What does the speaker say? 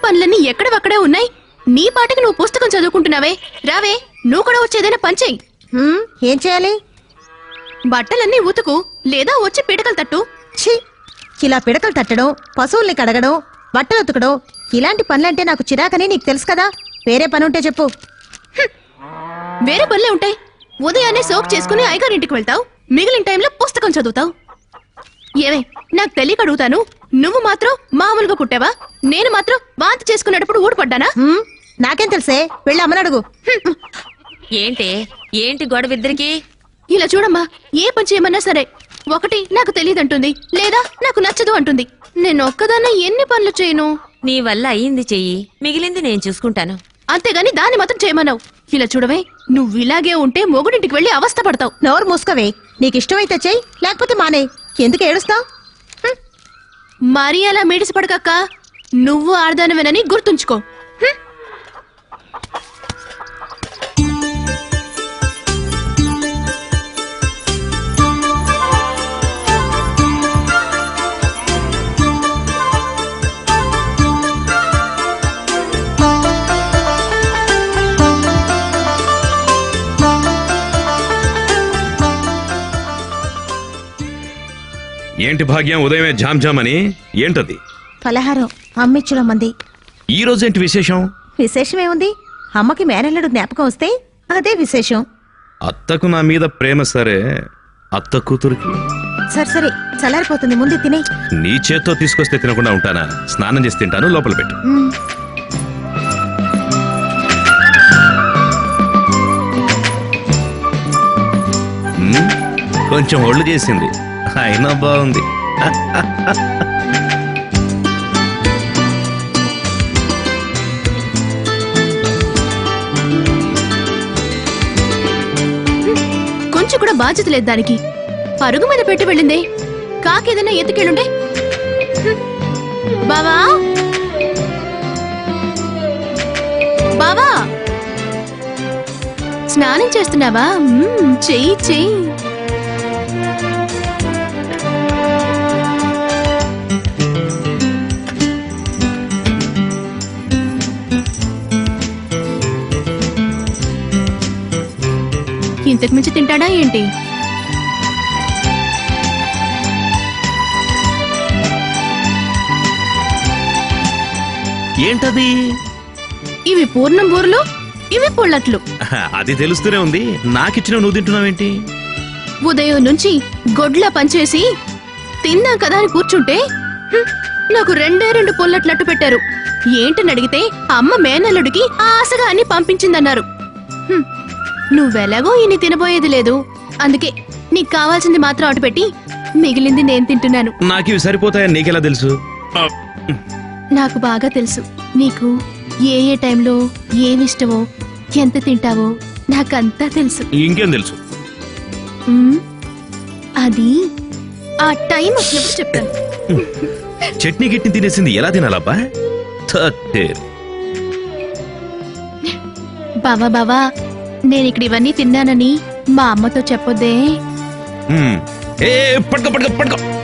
పనులన్నీ ఎక్కడవక్కడే ఉన్నాయి. నీ పాటకి నువ్వు పుస్తకం చదువుకుంటున్నావే. రావే, నువ్వు కూడా వచ్చేదైనా పని చెయ్యి. ఏం చేయాలి? బట్టలన్నీ ఉతుకు, లేదా వచ్చి పిడకలు తట్టు. ఛీ, ఇలా పిడకలు తట్టడం, పశువుల్ని కడగడం, బట్టలు ఉతకడం ఇలాంటి పనులంటే నాకు చిరాకని నీకు తెలుసు కదా. వేరే పని ఉంటే చెప్పు. వేరే పనులే ఉంటాయి. ఉదయాన్నే సోక్ చేసుకుని అయ్యగారింటికి వెళ్తావు, మిగిలిన టైంలో పుస్తకం చదువుతావు. ఏమే, నాకు తెలియక అడుగుతాను, నువ్వు మాత్రం మామూలుగా పుట్టావా? నేను మాత్రం వాంతి చేసుకునేటప్పుడు ఊడిపడ్డానా? నాకేం తెలుసే, వెళ్ళి అమ్మని అడుగు. ఏంటి గొడవ ఇద్దరికి? ఇలా చూడమ్మా, ఏ పని చేయమన్నా సరే, ఒకటి నాకు తెలియదంటుంది, లేదా నాకు నచ్చదు అంటుంది. నేను ఒక్కదాన్నే ఎన్ని పనులు చేయను? నీ వల్ల అయ్యింది చెయ్యి, మిగిలింది నేను చూసుకుంటాను. అంతేగాని దాన్ని మాత్రం చేయమన్నావు. ఇలా చూడవే, నువ్వు ఇలాగే ఉంటే మొగుడింటికి వెళ్లి అవస్థ పడతావు. నోరు మూసుకోవే. నీకు ఇష్టమైతే చెయ్యి, లేకపోతే మానే. ఎందుకు ఏడుస్తావు? మరీ అలా మేడిసి పడకక్క. నువ్వు ఆడదానివేనని గుర్తుంచుకో. ఏంటి భాగ్యం, ఉదయమే జామ్ జామ్ అని? ఏంటది? పలహారం అమ్మిచ్చడం మంది. ఈ రోజేంటి విశేషం? విశేషమేముంది? అమ్మకి మేనల్లుడు జ్ఞాపకం వస్తే అదే విశేషం. అత్తకు నా మీద ప్రేమ సరే, అత్త కూతురికి సరే సరే, చల్లారిపోతుంది, ముందు తినే. నీ చేత్తో తీసుకొస్తే తినకుండా ఉంటానా? స్నానం చేసి తింటాను, లోపల పెట్టు. కొంచెం ఒళ్ళు చేసింది, అయినా బాగుంది. కొంచెం కూడా బాధ్యత లేదు దానికి. పరుగు మీద పెట్టి వెళ్ళిందే. కాకేదన్నా ఎత్తుకెళ్ళుండే. బావా, బావా, స్నానం చేస్తున్నావా? చెయ్యి చెయ్యి. ఇంతకు మించి తింటాడా ఏంటి? ఏంటది? ఇవి పూర్ణం బూరెలు, ఇవి పొళ్ళట్లు. అది తెలుస్తూనే ఉంది. నాకిచ్చిన నువ్వు తింటున్నావేంటి? ఉదయం నుంచి గొడ్లా పనిచేసి తిందాం కదా అని కూర్చుంటే నాకు రెండు పొల్లట్లట్టు పెట్టారు. ఏంటని అడిగితే అమ్మ మేనల్లుడికి ఆశగా అన్ని పంపించిందన్నారు. నువ్వెలాగో ఇన్ని తినబోయేది లేదు, అందుకే నీకు కావాల్సింది మాత్రం అటు పెట్టి మిగిలింది నేను తింటున్నాను. నాకు ఇవి సరిపోతాయని నీకెలా తెలుసు? నాకు బాగా తెలుసు. నీకు ఏ ఏ టైంలో ఏమిష్టమో, ఎంత తింటావో నాకంతా తెలుసు. ఇంకేం తెలుసు? అది ఆ టైం వచ్చినప్పుడు చెప్తాను. చట్నీ గిట్ని తినేసింది ఎలా తినాలబ్బా? బావా బావా, నేను ఇక్కడ ఇవన్నీ తిన్నానని మా అమ్మతో చెప్పొద్దే. పడుకో పడుకో పడుకో.